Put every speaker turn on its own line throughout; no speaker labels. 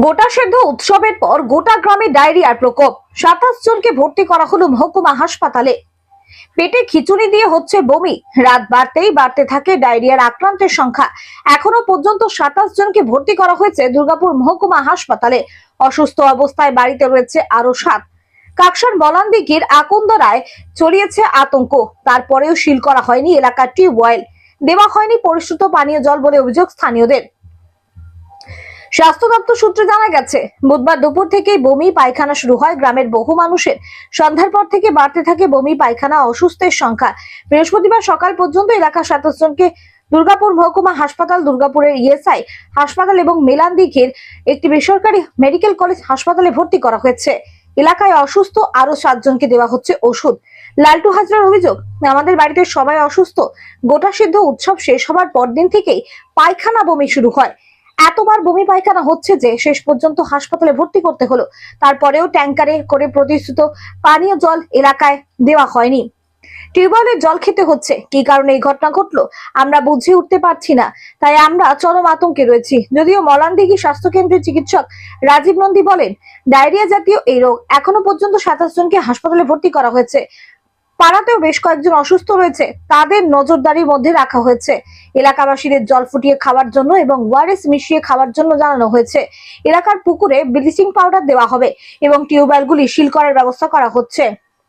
গোটা সেদ্ধ উৎসবের পর গোটা গ্রামে ডায়রিয়ার প্রকোপ। 27 জনকে ভর্তি করা হলো মহকুমা হাসপাতালে। পেটে খিচুড়ি দিয়ে হচ্ছে বমি, রাত বাড়তেই বাড়তে থাকে ডায়রিয়ার আক্রান্তের সংখ্যা। এখনো পর্যন্ত 27 জনকে ভর্তি করা হয়েছে দুর্গাপুর মহকুমা হাসপাতালে। অসুস্থ অবস্থায় বাড়িতে রয়েছে আরো 7। কাকসার বলানদিঘির আকন্দরায় ছড়িয়েছে আতঙ্ক। তারপরেও সিল করা হয়নি এলাকার টিউবওয়েল, দেওয়া হয়নি পরিশুদ্ধ পানীয় জল বলে অভিযোগ স্থানীয়দের। স্বাস্থ্য দপ্তর সূত্রে জানা গেছে, বুধবার দুপুর থেকেই বমি পায়খানা শুরু হয় গ্রামের বহু মানুষের। সন্ধ্যার পর থেকে বাড়তে থাকে বমি পায়খানা, অসুস্থের সংখ্যা। বৃহস্পতিবার সকাল পর্যন্ত এলাকা 27 জনকে দুর্গাপুর মহকুমা হাসপাতাল, দুর্গাপুরের ইএসআই হাসপাতাল এবং মেলান্দিঘির একটি বেসরকারি মেডিকেল কলেজ হাসপাতালে ভর্তি করা হয়েছে। এলাকায় অসুস্থ আরো 7 জনকে দেওয়া হচ্ছে ওষুধ। লালটু হাজরার অভিযোগ, আমাদের বাড়িতে সবাই অসুস্থ। গোটা সিদ্ধ উৎসব শেষ হবার পরদিন থেকেই পায়খানা বমি শুরু হয়। এতবার বমি পায়খানা হচ্ছে যে শেষ পর্যন্ত হাসপাতালে ভর্তি করতে হলো। তারপরেও ট্যাঙ্কারে করে প্রতিশ্রুত পানীয় জল এলাকায় দেওয়া হয়নি। টিউবওয়েলের জল খেতে হচ্ছে। কি কারণে এই ঘটনা ঘটলো আমরা বুঝে উঠতে পারছি না, তাই আমরা চরম আতঙ্কে রয়েছি। যদিও মলানদিঘি স্বাস্থ্য কেন্দ্রের চিকিৎসক রাজীব নন্দী বলেন, ডায়রিয়া জাতীয় এই রোগ এখনো পর্যন্ত 27 জনকে হাসপাতালে ভর্তি করা হয়েছে। পাড়াতেও বেশ কয়েকজন অসুস্থ রয়েছে, তাদের নজরদারির মধ্যে রাখা হয়েছে। এলাকাবাসীদের জল ফুটিয়ে খাওয়ার জন্য এবং ওআরএস মিশিয়ে খাওয়ার জন্য জানানো হয়েছে। এলাকার পুকুরে ব্লিচিং পাউডার দেওয়া হবে এবং টিউবওয়েলগুলি সিল করার ব্যবস্থা করা হচ্ছে।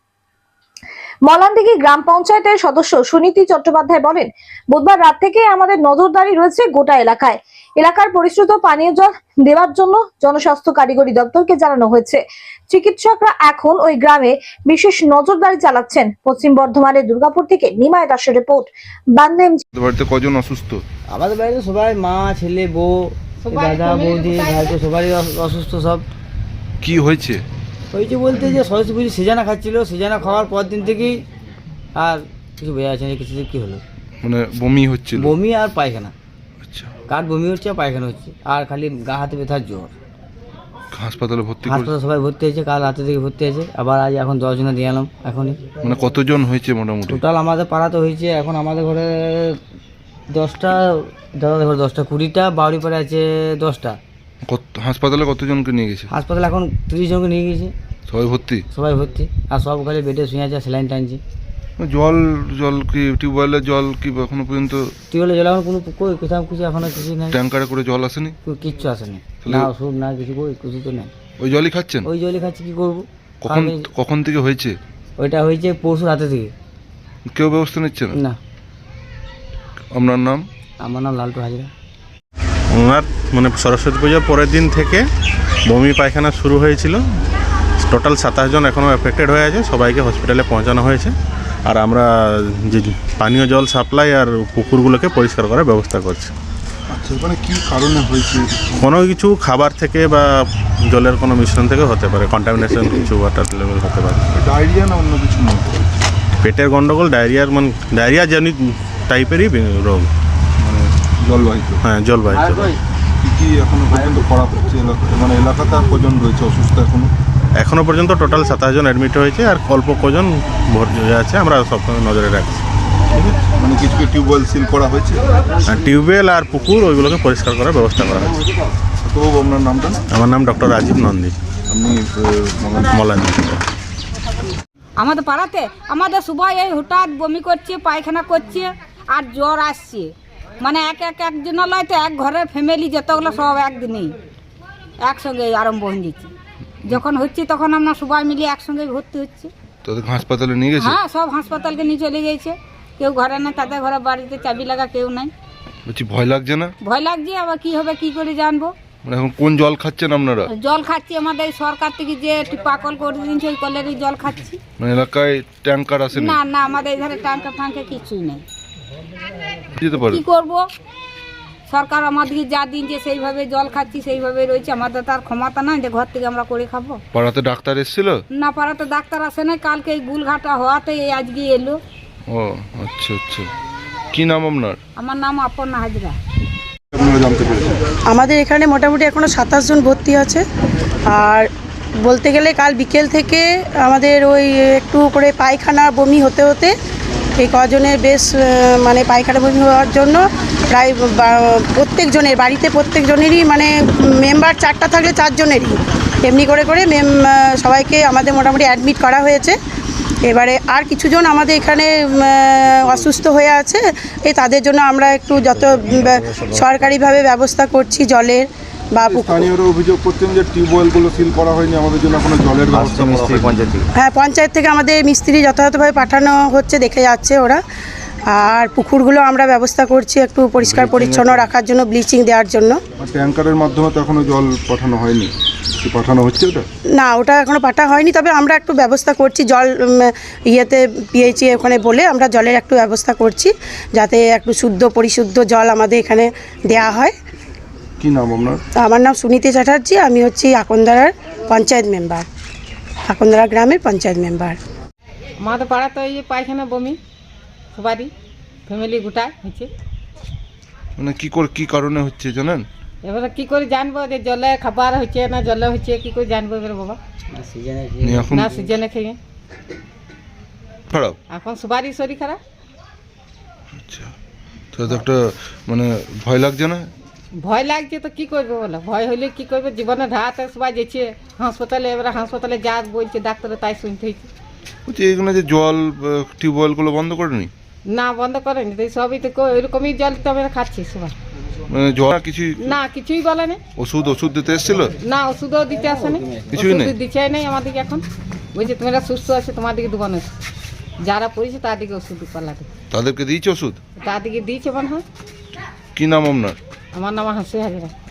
মলানদিঘি গ্রাম পঞ্চায়েতের সদস্য সুনীতি চট্টোপাধ্যায় বলেন, বুধবার রাত থেকে আমাদের নজরদারি রয়েছে গোটা এলাকায়। এলাকার পরিশ্রুত পানীয় জল দেওয়ার জন্য জনস্বাস্থ্য কারিগরি দপ্তরকে জানানো হয়েছে। চিকিৎসকরা এখন ওই গ্রামে বিশেষ নজরদারি চালাচ্ছেন। পশ্চিম বর্ধমানের দুর্গাপুর থেকে নিমায় দাসের রিপোর্ট। বান্দেম।
বাড়িতে কজন অসুস্থ?
আমাদের বাড়িতে সবাই, মা, ছেলে, বউ, দাদা, বৌদি, ভাইপো সবারই অসুস্থ। সব
কি হয়েছে?
হয়েছে বলতে যে সরস্বতী পুজো সিজানা খাচ্ছিল, সিজানা খাওয়ার পর দিন থেকেই আর কিছু বোঝা যাচ্ছে না কিছু কি হলো।
মানে বমি হচ্ছিল?
বমি আর পায়খানা।
আচ্ছা,
কার বমি হচ্ছে আর পায়খানা হচ্ছে, আর খালি গা হাতে ব্যথার জ্বর।
হাসপাতালে ভর্তি
হাসপাতালে সবাই ভর্তি হয়েছে, কাল রাতে থেকে ভর্তি হয়েছে। আবার আজ এখন 10 জনে দিয়ে এলাম এখনই।
মানে কতজন হয়েছে মোটামুটি?
টোটাল আমাদের পাড়াতে হয়েছে এখন আমাদের ঘরে 10টা, দাদাদের ঘরে 10টা, 20টা, বাউরি পাড়ে আছে 10টা।
হাসপাতালে কতজনকে নিয়ে গেছে?
হাসপাতালে এখন 30 জনকে নিয়ে গেছে।
সবাই ভর্তি?
সবাই ভর্তি, আর সব খালি বেডে শুয়ে আছে, স্যালাইন টানছে।
জল জল কি টিউবওয়েলের জল কি এখনো পর্যন্ত?
টিউবওয়েলের জল এখন কোনো কোথাও কিছু এখনো কিছু নেই।
ট্যাঙ্কারে করে জল আসেনি?
কিচ্ছু আসেনি, না ওষুধ না কিছু, কিছু তো নেই।
ওই জলই খাচ্ছেন?
ওই জলই খাচ্ছি, কি করবো।
কখন থেকে হয়েছে?
ওইটা হয়েছে পরশু রাতে থেকে।
কেউ ব্যবস্থা নিচ্ছে না?
না।
আপনার নাম?
আমার নাম লালটু হাজরা।
ওনার মানে সরস্বতী পূজার পরের দিন থেকে বমি পায়খানা শুরু হয়েছিল। টোটাল 27 জন এখনও এফেক্টেড হয়ে আছে, সবাইকে হসপিটালে পৌঁছানো হয়েছে। আর আমরা যে পানীয় জল সাপ্লাই আর পুকুরগুলোকে পরিষ্কার করার ব্যবস্থা করছি।
আচ্ছা, মানে কি কারণে হয়েছে?
কোনো কিছু খাবার থেকে বা জলের কোনো মিশ্রণ থেকে হতে পারে, কন্টামিনেশন কিছু ওয়াটার লেভেল হতে পারে।
ডায়রিয়া না অন্য কিছু?
পেটের গন্ডগোল, ডায়রিয়ার মানে ডায়রিয়া জনিত টাইপেরই রোগ,
মানে জলবাহিত?
হ্যাঁ, জলবাহিত।
কি এখনো পর্যন্ত করা হচ্ছে মানে এলাকাতে? আর কজন রয়েছে অসুস্থ
এখনো পর্যন্ত? টোটাল 27 জন অ্যাডমিট হয়েছে, আর অল্প কজন ভর্তি হয়ে আছে, আমরা সবসময় নজরে রাখছি।
মানে কিছু টিউবওয়েল সিল করা হয়েছে?
আর টিউবওয়েল আর পুকুর ওইগুলোকে পরিষ্কার করার ব্যবস্থা করা হয়েছে।
তো আপনার নামটা?
আমার নাম ডক্টর রাজীব নন্দী,
আপনি
মলানদিঘি।
আমাদের পাড়াতে আমাদের সবাই এই হঠাৎ বমি করছে, পায়খানা করছে আর জ্বর আসছে। মানে একজন লয় তো, এক ঘরের ফ্যামিলি যতগুলো সব একদিনেই একসঙ্গে আরম্ভ হয়ে দিচ্ছে। যখন হচ্ছে তখন আমরা সবাই মিলে একসঙ্গে ভর্তি হচ্ছে।
তোদের হাসপাতালে নিয়ে গেছে?
হ্যাঁ, সব হাসপাতালকে নিয়ে চলে গেছে। কেউ ঘরে নেই, তাদের ঘরে বাড়িতে চাবি লাগা কেউ নাই।
বলছি, ভয় লাগছে না?
ভয় লাগছে, আবার কি হবে কি করে জানবো।
মানে এখন কোন জল খাচ্ছেন আপনারা?
জল খাচ্ছি আমাদের সরকার থেকে যে পাকল করে দিয়েছে, ওই কলেরই জল খাচ্ছি।
মানে এলাকায় ট্যাঙ্কার আসেনি?
না না, আমাদের এখানে ট্যাঙ্কা ফাঙ্কা কিছুই নেই।
যেতে পারে?
কি করব, সরকার আমাদেরকে যা দিনছে সেইভাবে জল খাচ্ছি, সেইভাবে রয়েছে। আমাদের তার ক্ষমতা নাই যে ঘর থেকে আমরা করে খাবো।
পাড়াতে ডাক্তার এসেছিল?
না, পাড়াতে ডাক্তার আসে না, কালকে এই গুলঘাটা হওয়াতে এই আজকে এলো।
ও আচ্ছা আচ্ছা। কি নাম আপনার?
আমার নাম অপর্ণা হাজরা।
আপনারা জানতে পেরেছেন?
আমাদের এখানে মোটামুটি এখনও 27 জন ভর্তি আছে। আর বলতে গেলে কাল বিকেল থেকে আমাদের ওই একটু করে পায়খানা বমি হতে হতে এই কজনের বেশ মানে পায়খানা বমি হওয়ার জন্য প্রায় প্রত্যেকজনের বাড়িতে প্রত্যেকজনেরই মানে মেম্বার 4টা থাকলে 4 জনেরই এমনি করে করে সবাইকে আমাদের মোটামুটি অ্যাডমিট করা হয়েছে। এবারে আর কিছুজন আমাদের এখানে অসুস্থ হয়ে আছে, তাদের জন্য আমরা একটু যত সরকারিভাবে ব্যবস্থা করছি জলের বা
স্থানীয়রা অভিযোগ করছেন যে টিউবওয়েলগুলো সিল করা হয়নি, আমাদের জন্য কোনো জলের ব্যবস্থা করা হয়নি।
হ্যাঁ, পঞ্চায়েত থেকে আমাদের মিস্ত্রি যথাযথভাবে পাঠানো হচ্ছে, দেখে যাচ্ছে ওরা। আর পুকুরগুলো আমরা ব্যবস্থা করছি একটু পরিষ্কার পরিচ্ছন্ন রাখার জন্য, ব্লিচিং দেওয়ার জন্য।
আর ট্যাঙ্কারের মাধ্যমে তো এখনো জল পাঠানো হয়নি, কি পাঠানো হচ্ছে ওটা?
না, ওটা এখনও পাঠা হয়নি, তবে আমরা একটু ব্যবস্থা করছি জল পিএইচি ওখানে বলে আমরা জলের একটু ব্যবস্থা করছি যাতে একটু শুদ্ধ পরিশুদ্ধ জল আমাদের এখানে দেয়া হয়।
কি নাম আপনার?
আমার নাম সুনীতি চ্যাটার্জি, আমি হচ্ছি আকন্দারার পঞ্চায়েত মেম্বার, আকন্দারা গ্রামের পঞ্চায়েত মেম্বার।
আমাদের পাড়াতে এই পায়খানা বমি সবারই ফ্যামিলি গোটায় হচ্ছে।
মানে কি কারণে হচ্ছে জানেন?
এবারে কি করে জানবো যে জলে খাবার হচ্ছে না জলে হচ্ছে, কি করে জানবো এবারে বাবা?
এখন
না সিজনে খেয়ে
খারাপ।
এখন সবারই শরীর খারাপ।
আচ্ছা, তো একটা মানে ভয় লাগছে না?
ভয় লাগছে তো কি করবো বলো, ভয় হলে কি করবো, জীবনে ধাতে সবাই যেছে হাসপাতালে, এবারে হাসপাতালে যা বলছে ডাক্তারে তাই শুনতে হয়েছে।
বলছি এখানে যে জল টিউবওয়েলগুলো বন্ধ করেনি?
না বন্ধ করেনি, তো সবই তো ওইরকমই জল তো আমরা খাচ্ছি সবাই।
মানে জল কিছুই
না কিছুই বলেনি।
ওষুধ দিতে এসেছিল?
না ওষুধও দিতে আসেনি,
কিছুই নেই?
ওষুধ দিচ্ছে নেই আমাদেরকে এখন। বলছে তোমরা সুস্থ আছে তোমাদেরকে দেবো না ওষুধ, যারা পড়েছে তাদেরকে ওষুধ পাল্লাতে,
তাদেরকে দিয়েছে ওষুধ?
তাদেরকে দিয়েছে মনে হয়।
কি নাম আপনার?
আমার নাম হাসি হাজরা।